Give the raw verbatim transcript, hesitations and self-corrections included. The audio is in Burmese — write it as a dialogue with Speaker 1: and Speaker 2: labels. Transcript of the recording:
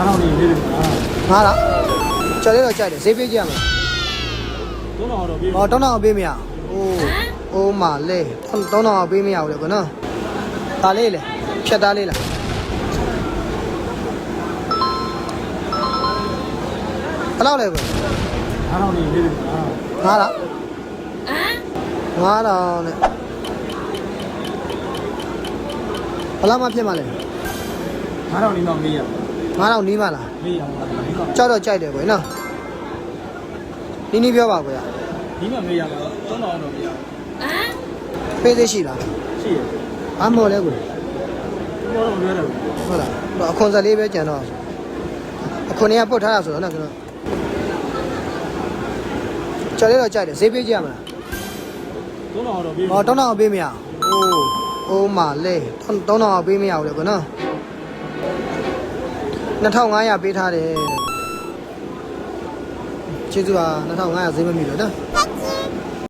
Speaker 1: ငါးထောင်လေးလေးလေးငါး
Speaker 2: ငါလားကျော်လေးတော့ကြိုက်တယ်ဈေးပေးကြရမယ်
Speaker 1: သုံးထောင်တော့ပြေး
Speaker 2: ဟောတောင်းတောင်းပေးမရအိုးအိုးမလေးတောင်းတောင်းပေးမရဘူးလေကွနော်ဒါလေးလေဖြတ်သားလေးလားဘယ်လောက်လဲကွ
Speaker 1: ငါးထောင်လေးလေးလေးငါး
Speaker 2: ငါလားငါတော့နဲ့ဘယ်လောက်မှဖြစ်မှလဲ
Speaker 1: ငါးထောင်လေးတော့မေးရ
Speaker 2: ငါတော့နီးမှလား
Speaker 1: မေးရအောင်လားဒီက
Speaker 2: ကြောက်တော့ကြိုက်တယ်ကွနော်နီးနီးပြောပါကွာ
Speaker 1: ဒီမှာမေးရမှာသုံးထောင်တော့မေးရ
Speaker 2: ပေးသေးရှိလား
Speaker 1: ရှိရ
Speaker 2: အမော်လဲကွ
Speaker 1: ဘောတော့လွဲတယ်
Speaker 2: ဟုတ်လားအခွန်ဆက်လေးပဲကြံတော့အခွန်တွေကပုတ်ထားတာဆိုတော့နော်ကျွန်တော်ကျော်လေးတော့ကြိုက်တယ်ဈေးပေးကြရမလား
Speaker 1: သုံးထောင်တော့ပြေး
Speaker 2: ဟောတောင်းတောင်းပေးမရအိုးအိုးမလေးတောင်းတောင်းပေးမရဘူးလေကွနော်နှစ်ထောင်ငါးရာပေးထားတယ်ကျေးဇူးပါနှစ်ထောင်ငါးရာဈေးမမီလို့နော်